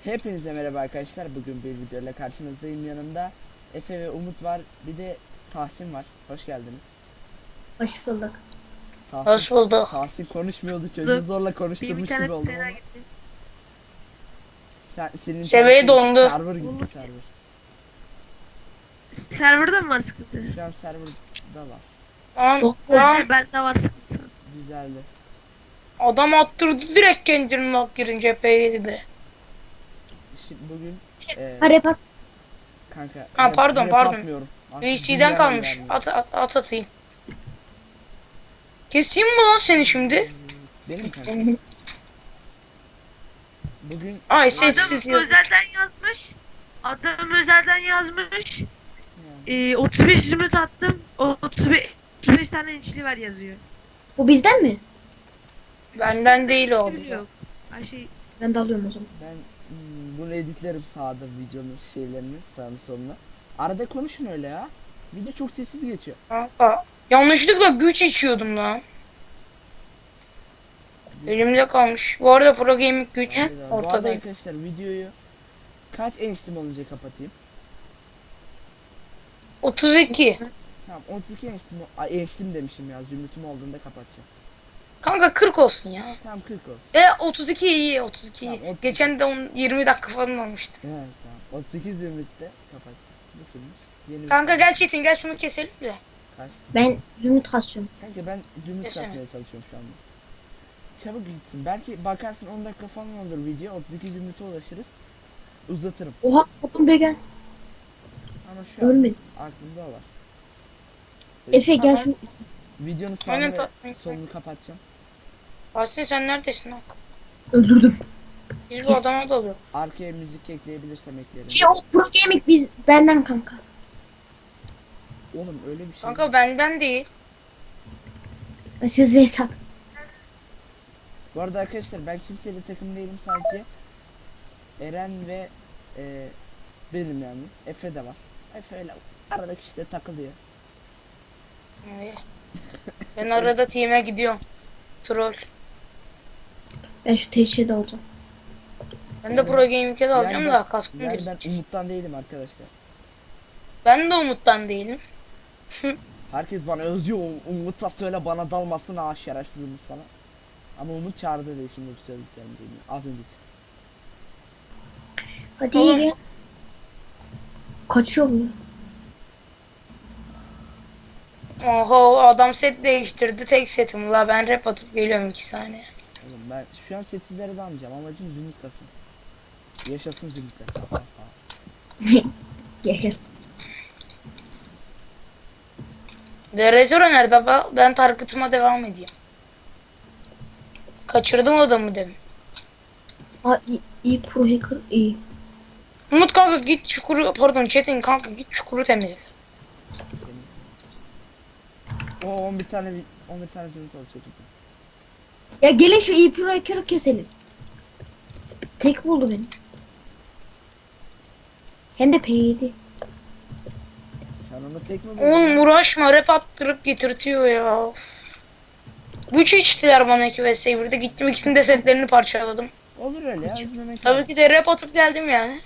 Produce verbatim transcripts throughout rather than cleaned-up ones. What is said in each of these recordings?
Hepinize merhaba arkadaşlar. Bugün bir videoyla karşınızdayım. Yanımda Efe ve Umut var. Bir de Tahsin var. Hoş geldiniz. Hoş bulduk. Tahsin, Hoş bulduk. Tahsin konuşmuyordu. Çocuğu Bulduk. zorla Benim konuşturmuş gibi internet oldum fena ama. gitti. Sen, senin Şebeği internette dondu. server gitti Umut. server. Serverda mı var sıkıntı? Şu an serverda var. Lan, Yok lan yok. Bende var sıkıntı. Düzeldi. adam attırdı direkt kendini lak girince P'ydi de. Şimdi bugün e, Hadi pas. kanka Ha, rap- pardon, rap pardon. atmıyorum. Artık V C'den dünya kalmış. vermiyor. At, at, at atayım. Keseyim mi lan seni şimdi? Benim kanka. Bugün Ay e, sessiz Adam yazıyor. özelden yazmış. Adam özelden yazmış. yani, Ee, otuz beş zümrüt attım. O otuz beş, otuz beş tane inçli var yazıyor. Bu bizden mi? Benden değil o. Hiçbiri yok. Ay şey Ben de alıyorum o zaman. ben hmm, bunu editlerim sağda videonun şeylerini sağını soluna. Arada konuşun öyle ya. Video çok sessiz geçiyor. Kanka. Yanlışlıkla güç içiyordum lan. Elimde kalmış. Bu arada Pro Gaming güç Bir daha. Bu arada ortadayım. arkadaşlar videoyu kaç eniştem olunca kapatayım? otuz iki. Tamam otuz iki eniştem, ay eniştem demişim ya, zümrütüm olduğunda kapatacağım. Kanka kırk olsun ya. Tamam kırk olsun. E otuz iki iyi, otuz iki iyi. Tamam, otuz iki. Geçen de on, yirmi dakika falan olmuştu. Evet tamam otuz iki zümrütte kapatacağım. Bu kimmiş? Yeni bir Kanka tane. gel Çetin gel şunu keselim de. Kaçtı? Ben zümrüt kasıyorum. Kanka ben zümrüt Desene. kasmaya çalışıyorum şu anda. Çabuk gitsin. Belki bakarsın on dakika falan olur video. otuz iki zümrüte ulaşırız. Uzatırım. Oha oğlum buraya gel. Ama şu an Ölmedi. aklımda o var. Efe gel Tamam. şunu. Videonun Aynen, sağını ve ta- solunu kapatacağım. Aslında sen neredesin Hak? Öldürdüm. Biz bu Kes. adama dalıyor. Arkaya müzik ekleyebilirsem eklerim. Şey o Pro Gaming biz benden kanka. Oğlum öyle bir şey. Kanka benden değil. Siz Vesat. Bu arada arkadaşlar ben kimseyle takım değilim, sadece Eren ve e, benim yani. Efe de var. Efe öyle aradaki işte takılıyor. Ay. Ben arada team'e gidiyorum. Troll. Ben şu teşhide de olacağım. Ben de Yani- Pro Gaming'e de alacağım yani da kaskım Yani yani ben Umut'tan değilim arkadaşlar. Ben de Umut'tan değilim. Herkes bana özüyor. Umut'a söyle bana dalmasın ha şerefsiz Umut falan. Ama Umut çağırdı diye şimdi bu söylediklerimi değil mi? Az önce için. Hadi Oğlum. gel. Kaçıyor mu? Oho adam set değiştirdi, tek setim la, ben rap atıp geliyorum iki saniye. Oğlum ben şu an setsizlere dalmayacağım. Amacım zümrüt kasın. Yaşasın zümrütler. Yes. Derecora nerede ba- ben targetıma devam edeyim. Kaçırdım adamı demin. Aa, iyi, iyi Pro Hacker iyi. Umut kanka git çukuru, pardon Çetin kanka git çukuru temizle. O on bir tane on bir tane zümrüt alışıyor. Ya gelin şu iyi Pro Hacker'ı keselim. Tek buldu beni. Hem de P yedi. Sen onu tek mi buldun? Oğlum uğraşma, rap attırıp getirtiyor ya. Güç içtiler bana iki vs birde, gittim ikisinin de setlerini parçaladım. Olur öyle ya, üzmemek Tabii lazım. ki de rap atıp geldim yani.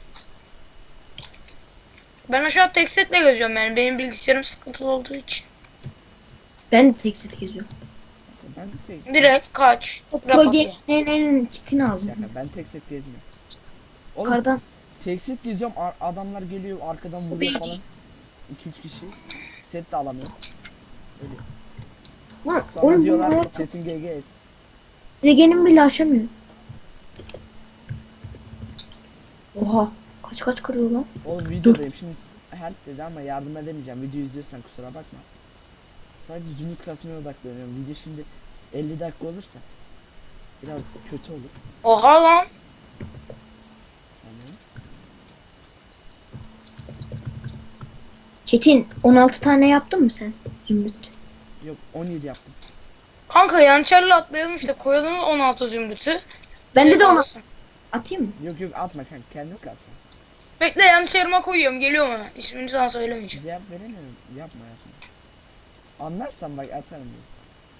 Ben aşağı tek setle geziyorum yani, benim bilgisayarım sıkıntılı olduğu için. Ben de tek set geziyorum. Ben de tek. Direkt kaç. O Rap Pro atıyor. Gaming'in kitini aldım. Şaka, ben tek set gezmiyorum. Oğlum Yukarıdan. tek set geziyorum, ar- adamlar geliyor arkadan vuruyor Beyci. falan. iki üç kişi. Set de alamıyor. Öyle. Lan Sonra oğlum diyorlar bunlar setin G G S. Regen'in bile aşamıyor. Oha. Kaç kaç kırıyor lan? Oğlum videodayım şimdi, help dedi ama yardım edemeyeceğim. Video izliyorsan kusura bakma. Sadece zümrüt kasmaya odaklanıyorum. Video şimdi elli dakika olursa biraz kötü olur. Oha lan. Yani Çetin on altı tane yaptın mı sen? Zümrüt. yok on yedi yaptım. Kanka yançerle atlayalım işte, koyalım on altı zümrütü. Bende de on altı. Olsun. Atayım mı? Yok yok atma kanka, kendin kalsın. Bekle, yançerime koyuyorum, geliyorum hemen. İsmini sana söylemeyeceğim. Cevap veremiyorum, yapma ya şimdi. Anlarsan bak atarım diye.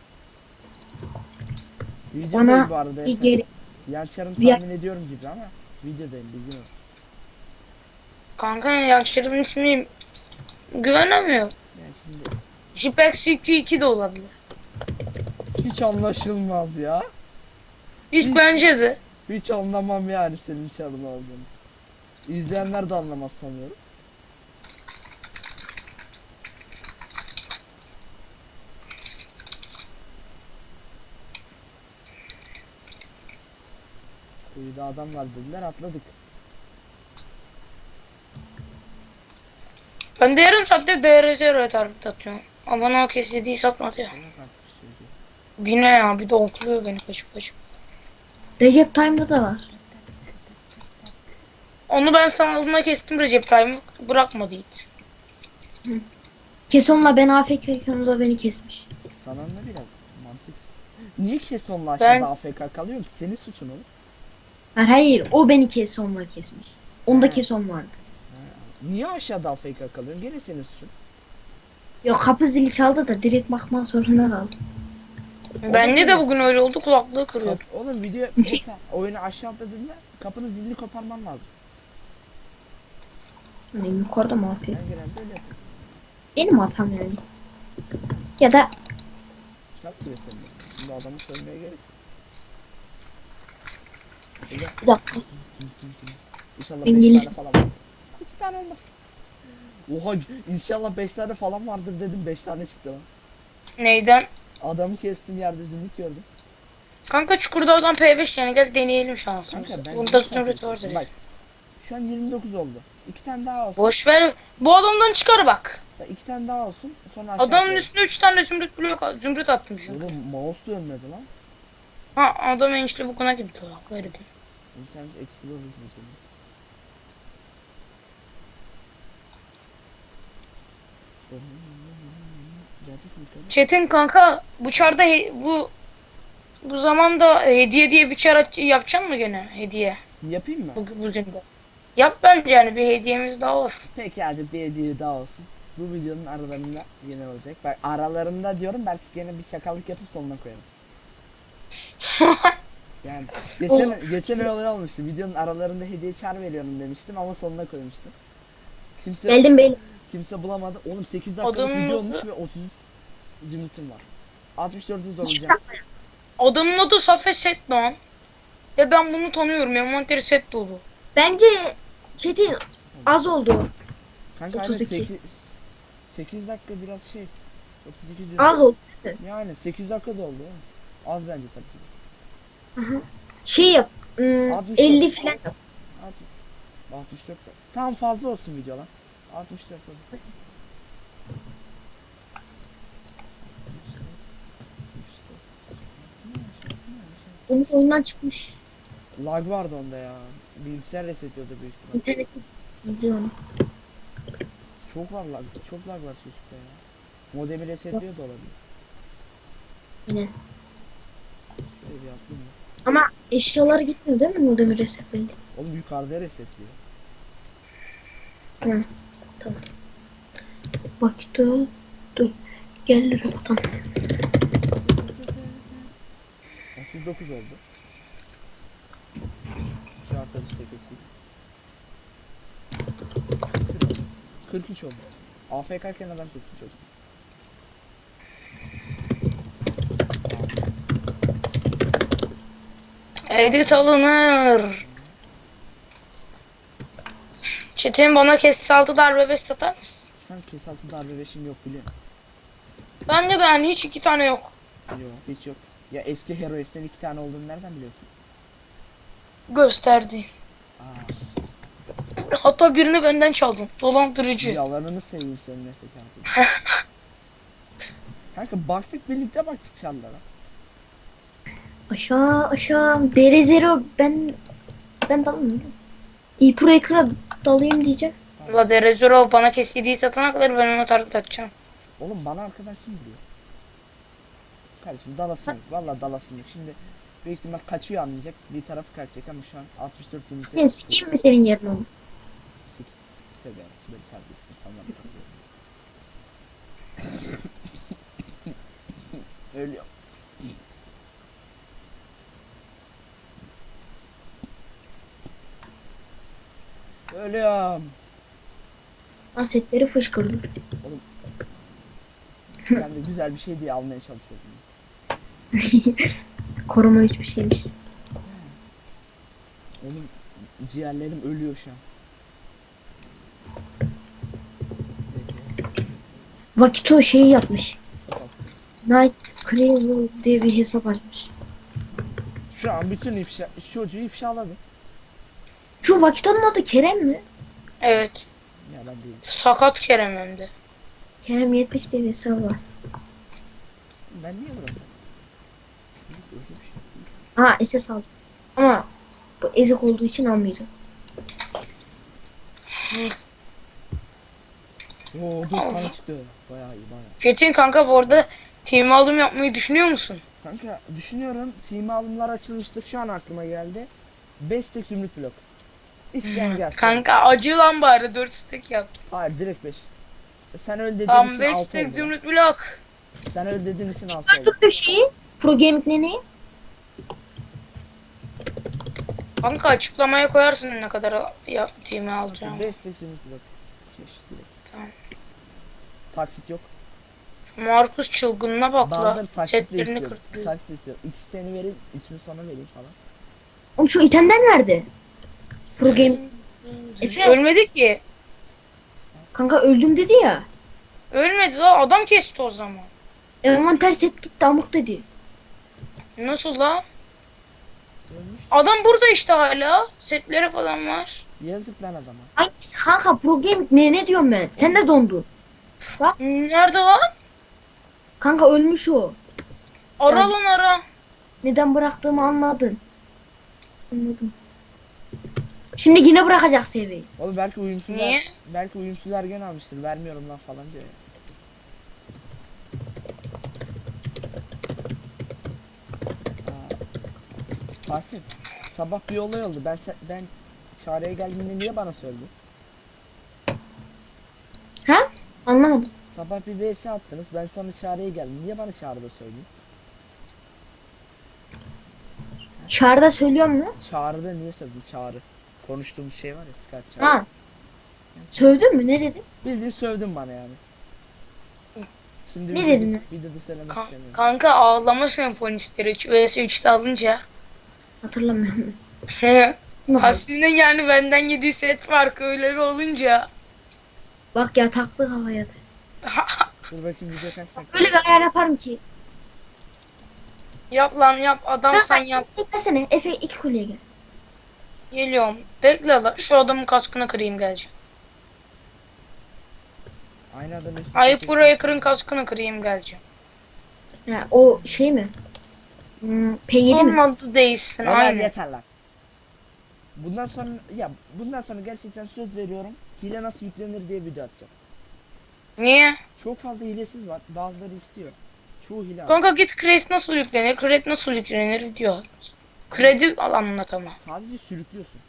Videodayım Bana bu arada. bir geri. Yançarım bir- tahmin ediyorum gibi ama Videodayım, bilgin olsun. Kanka yaşlarımın ismi güvenemiyorum. Yani şimdi Jipex C Q iki de olabilir. hiç anlaşılmaz ya. Hiç Hiç. bence de. Hiç anlamam yani senin çalın olduğunu. İzleyenler de anlamaz sanıyorum. Kuyuda adam var dediler, atladık. Ben de yarım saatte D R Z'ye target atıyorum. Ama bana o kesitiyi satmadı ya. Bana karşı bir şey diyor. Bir ne ya, bir de okluyor beni kaçıp kaçıp. Recep Time'da da var. Onu ben sanalına kestim, Recep Tayyip bırakmadı hiç. Keson'la ben A F K'yken o da beni kesmiş. Sana ne biraz mantıksız. Niye Keson'la aşağıda Ben- A F K kalıyor ki? Senin suçun oğlum. Hayır, hayır o beni Keson'la kesmiş. Onda Ha. Keson vardı. Niye aşağıda A F K kalıyorsun? Gene senin suçun. Yok kapı zili çaldı da direkt bakmak zorunda kaldım. Bende de bugün öyle oldu, kulaklığı kırıyor. Kap- oğlum video mesela oyunu aşağı atladığında kapının zilini koparman lazım. Hani yukarıda mı Ben yapıyor? genelde öyle yapıyorum. Benim hatam yani. Ya da Kitap bile senin. Şimdi adamı söylemeye gerek yok. Şöyle bir dakika. İnşallah Ben beş gelip- tane falan var. iki tane olmaz. Oha inşallah beş tane falan vardır dedim, beş tane çıktı lan. Neyden? Adamı kestim, yerde zümrüt gördüm. Kanka çukurda oradan P beş yani, gel deneyelim şansımızı. Kanka ben Bunda cidden zümrüt sana vardır. söyleyeyim. Bak şu an yirmi dokuz oldu. İki tane daha olsun. Boş ver. Bu adamdan çıkar bak. Bak, iki tane daha olsun. Sonra aşağı Adamın atlayalım. üstüne üç tane zümrüt blok zümrüt attım çünkü. Oğlum mouse dönmedi lan. Ha, adam enişte bukuna gitti bak, verdi. Bir tanesi Explorer video. Gerçek mi kadar? Çetin kanka bu çarda he- bu bu zamanda hediye diye bir çar aç- yapacak mı gene hediye Yapayım mı? bugün bugün de. Yap bence, yani bir hediyemiz daha olsun. Peki hadi bir hediye daha olsun. Bu videonun aralarında yine olacak. Bak aralarında diyorum, belki gene bir şakalık yapıp sonuna koyarım. Yani geçen geçen olay olmuştu. Videonun aralarında hediye çar veriyorum demiştim ama sonuna koymuştum. Kimse Geldim beyler. kimse bulamadı. Oğlum sekiz dakikalık Adamın video adı- olmuş ve otuz üç zümrütüm var. altmış dördü dolacağım. Adamın adı Safe Set lan. Ve ben bunu tanıyorum. Envanteri set dolu. Bence Çetin az oldu. Kanka otuz iki. sekiz sekiz dakika biraz şey. otuz iki zümrüt. Az oldu. Yani sekiz dakika da oldu. oğlum. Az bence tabii. Şey yap. ım, altmış dört. elli falan yap. altmış dört. Tam fazla olsun video lan. altmış dört olsun. Umut oyundan çıkmış. Lag vardı onda ya. Bilgisayar resetliyordu büyük ihtimal. İnternet izliyor onu. Çok var lag. Çok lag var çocukta ya. Modemi resetliyor da olabilir. Yine. Şöyle bir atlayayım mı? Ama eşyalar gitmiyor değil mi modemi resetleyince? Oğlum yukarıda resetliyor. Hı. Tamam. Bak dur. Dur. Gel robotam. otuz dokuz oldu. Şu arkadaş da keseyim. kırk üç oldu. A F K iken adam kesin çocuk. Edit alınır. Çetin bana kes altı darbe beş satar mısın? Şu an kes altı darbe beşim yok biliyorum. Bence de yani hiç iki tane yok. Yok hiç yok. Ya eski Heroes'ten iki tane olduğunu nereden biliyorsun? Gösterdi. Aa, Hatta birini benden çaldın. Dolandırıcı. yalanını seveyim senin nefes artık. Kanka baktık, birlikte baktık çanlara. Aşağı aşağı. Dere zero ben ben dalayım. İyi pro ekra dalayım diyeceğim. La Derezoro bana kestiği satana kadar ben ona target atacağım. Oğlum bana arkadaş kim diyor? Kardeşim dalasın yok. Valla dalasın yok. Şimdi büyük ihtimal kaçıyor, anlayacak. Bir tarafı kaçacak ama şu an altmış dört zümrüt. Sen sikeyim mi senin yerine onu? Sik. Tövbe yarabbim, böyle terbiyesiz insanlar takıyorum. Ölüyorum. Ölüyorum. Asetleri fışkırdı. Ben de güzel bir şey diye almaya çalışıyordum. Koruma hiçbir şeymiş. Oğlum ciğerlerim ölüyor şu an. Peki. Vakito şeyi yapmış. Çok az. Night Cravel diye bir hesap açmış. Şu an bütün ifşa, şu çocuğu ifşaladı. Şu Vakito'nun adı Kerem mi? Evet. Ya ben değilim. Sakat Kerem hem de. Kerem yetmiş diye bir hesap var. Ben niye bırakıyorum? Öyle bir şey değil. Ha S S aldım. Ama bu ezik olduğu için almayacağım. Oo dört tane çıktı. Bayağı iyi bayağı. Fetin kanka bu arada team alım yapmayı düşünüyor musun? Kanka düşünüyorum. Team alımlar açılmıştır. Şu an aklıma geldi. beş tek zümrüt blok. İsteyen gelsin. Kanka acı lan bari dört stack yap. Hayır direkt beş. Sen öyle dediğin Tam için beş altı stack oldu. zümrüt blok. Sen öyle dediğin için altı oldu. Gördüm şeyi. Pro Gaming neneyi. Kanka açıklamaya koyarsın ne kadar ya, team'i alacağım. beş tek zümrüt blok. Beş direkt. Tamam. Taksit yok. Markus çılgınına bak la. Bazıları taksitle Setlerini istiyor. kırpıyor. Taksitle istiyor. İkisini vereyim, ikisini sonra vereyim falan. Oğlum şu itemler nerede? Pro Game. Efe. Ölmedi ki. Kanka öldüm dedi ya. Ölmedi la adam kesti o zaman. Envanter set gitti amık dedi. Nasıl la? Ölmüş. Adam burada işte hala. Setleri falan var. Yazık lan adama. Hangisi kanka Pro Gaming ne ne diyorum ben? Sen de dondun. Nerede lan? Kanka ölmüş o. Ara Yani- lan ara. Neden bıraktığımı anladın. Anladım. Şimdi yine bırakacak seviyeyi. Oğlum belki uyumsuzlar, Niye? belki uyumsuzlar gen almıştır. Vermiyorum lan falan diyor ya. Aa. Asif, sabah bir olay oldu. Ben se- ben çağrıya geldiğinde niye bana söyledin? Ha? Anlamadım. Sabah bir V S attınız. Ben sonra çağrıya geldim. Niye bana çağrıda söyledin? Çağrıda söylüyor mu? Çağrıda niye söyledin? Çağrı. Konuştuğumuz şey var ya, Skype çağrı. Ha. Sövdün mü? Ne dedin? Bildiğin sövdün bana yani. Şimdi Ne videoda- dedin? Videoda söylemek Ka- istemiyorum. kanka ağlama senfonistleri üç vs üçte alınca. Hatırlamıyorum. Bak, Aslında yani benden yedi set farkı öyle bir olunca. bak ya taktı havaya da. Dur bakayım video kaç dakika. Öyle bir ayar yaparım ki. Yap lan yap adam sen Kanka yap. beklesene. Efe iki kuleye gel. Geliyorum. Bekle lan şu adamın kaskını kırayım geleceğim. Aynı adam üstü Ayıp çekecek. buraya kırın kaskını kırayım geleceğim. Ha, o şey mi? Hmm, P yedi mi? Olmadı değilsin Ömer aynen. yeter lan. Bundan sonra ya bundan sonra gerçekten söz veriyorum. Hile nasıl yüklenir diye video atacağım. Niye? Çok fazla hilesiz var. Bazıları istiyor. Çoğu hile var. Kanka git kredi nasıl yüklenir? Kredi nasıl yüklenir diyor. Kredi al anlat ama. Sadece sürüklüyorsun.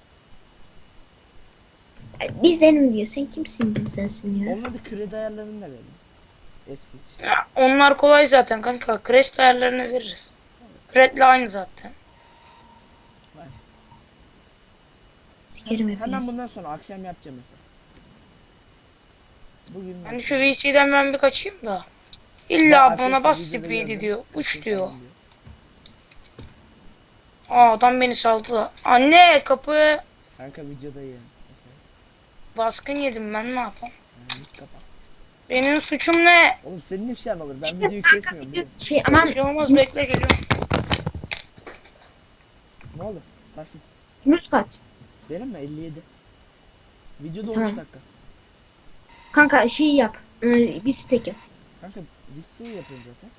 Bizden diyor. Sen kimsin bizdensin ya? Olmadı kredi ayarlarını da verin. Eski. Ya, onlar kolay zaten kanka. Kredi ayarlarını veririz. Krediyle aynı zaten. Sikerim Hemen hepinizi. bundan sonra akşam yapacağım mesela. Bugün Hani şu V C'den ben bir kaçayım da. Ya İlla arkadaşlar, bana bas videoda speed'i gördüm, diyor. sıkıntı Uç falan diyor. Aa adam beni saldı da. Anne kapı. Kanka videodayım. Baskın yedim ben ne yapayım? Yani git kapat. Benim suçum ne? Oğlum senin ifşan olur. Ben videoyu kesmiyorum. Biliyorum. Şey aman Bir şey olmaz bekle geliyorum. Ne oldu? Tasit. zümrüt kaç? Benim mi? elli yedi. Videoda Tamam. on üç dakika. Kanka şey yap. Ee, bir stack yap. Kanka listeyi yapıyorum zaten.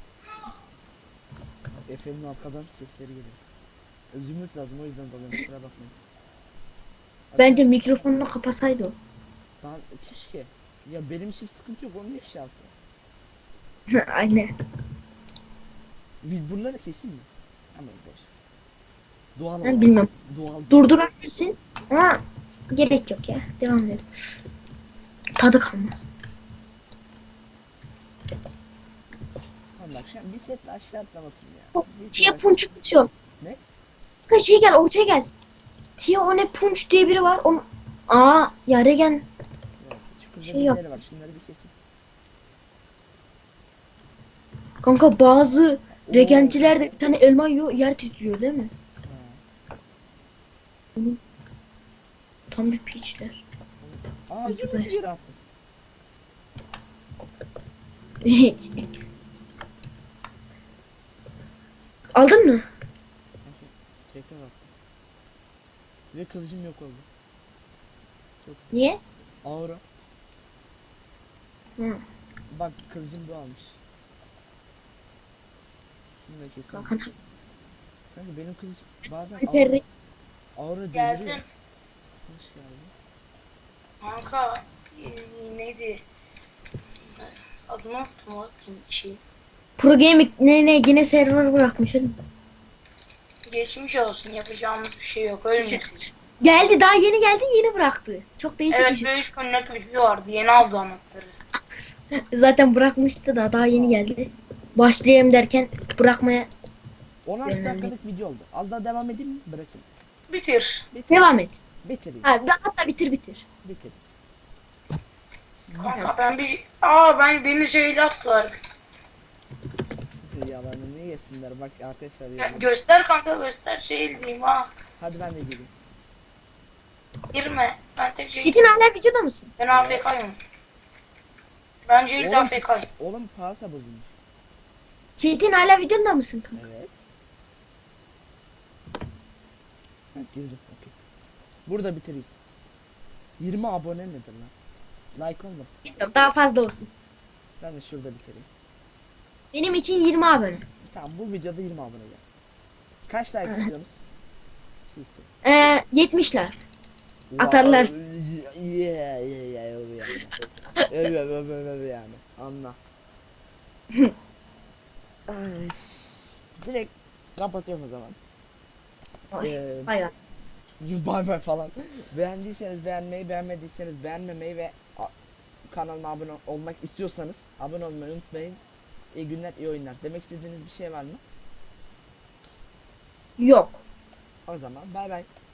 Efe'nin arkadan sesleri geliyor. E, Zümrüt lazım o yüzden dalıyorum kusura bakmayın. Bence mikrofonunu kapasaydı o. Ben keşke. Ya benim için sıkıntı yok onun ifşası. Aynen. Bir buraları keseyim mi? Ama boş. Doğal Ben olan. bilmem. Doğal. Durdurabilirsin ama gerek yok ya. Devam edelim. Tadı kalmaz. Tamam bak şu an bir setle aşağı atlamasın ya. Yok, Bir Tia set Punch atıyor. Ne? Kanka şey gel ortaya gel. Tia o ne Punch diye biri var. Onu Aa ya Regen Evet, çukurda Şey birileri yap. var. Şunları bir kesin. kanka bazı Oo. regenciler de bir tane elma yiyor yer titriyor değil mi? Ha. Tam bir piçler. Aa Yunus'u geri attım. Aldın mı? Tekrar attım. Ve kılıcım yok oldu. Çok güzel. Niye? Aura. Hı. Bak kılıcım bu almış. Şunu da kesin. Kanka Kanka benim kılıç bazen Alper aura, aura deviriyor. Geldim. Hoş geldin. Kanka e, neydi? Adını unuttum o şey. Pro Gaming ne ne yine server bırakmış oğlum. Geçmiş olsun, yapacağımız bir şey yok, ölmüyorsun. Geldi daha yeni geldi yeni bıraktı. Çok değişik bir Evet, şey. böyle üç günlük bir şey vardı, yeni aldı anahtarı. Zaten bırakmıştı da daha yeni geldi. Başlayayım derken bırakmaya on altı Yönlendim. dakikalık video oldu. Az daha devam edeyim mi? Bırakayım. Bitir. Bitir. devam et. Bitireyim. Ha, hatta bitir bitir. Bitir. Kanka ben bir... Aa ben beni şeyle attılar. Yalanı niye yesinler bak arkadaşlar Ya, ya. göster kanka, göster, şey diyeyim ha. Hadi ben de gireyim. Girme. Ben tek şey... Çetin hala videoda mısın? Ben A F K'yım. Bence ilk Oğlum. A F K'yım. Oğlum pasa bozulmuş. Çetin hala videoda mısın kanka? Evet. Ha, girdim. Okey. Burada bitireyim. yirmi abone nedir lan? Like olmasın. Bilmiyorum daha fazla olsun. Ben de şurada bitireyim. Benim için yirmi abone. Tamam bu videoda yirmi abone gel. Kaç like istiyorsunuz? Şey istiyorum. Ee, yetmişler. Atarlar. Yeah, yeah, yeah, öyle yani. Öyle öyle öyle öyle yani. Anla. Ay. Direkt kapatıyorum o zaman. Ay, Ee, hayır. Bay bay falan. Beğendiyseniz beğenmeyi, beğenmediyseniz beğenmemeyi ve a- kanalıma abone olmak istiyorsanız abone olmayı unutmayın. İyi günler, iyi oyunlar. Demek istediğiniz bir şey var mı? Yok. O zaman bay bay.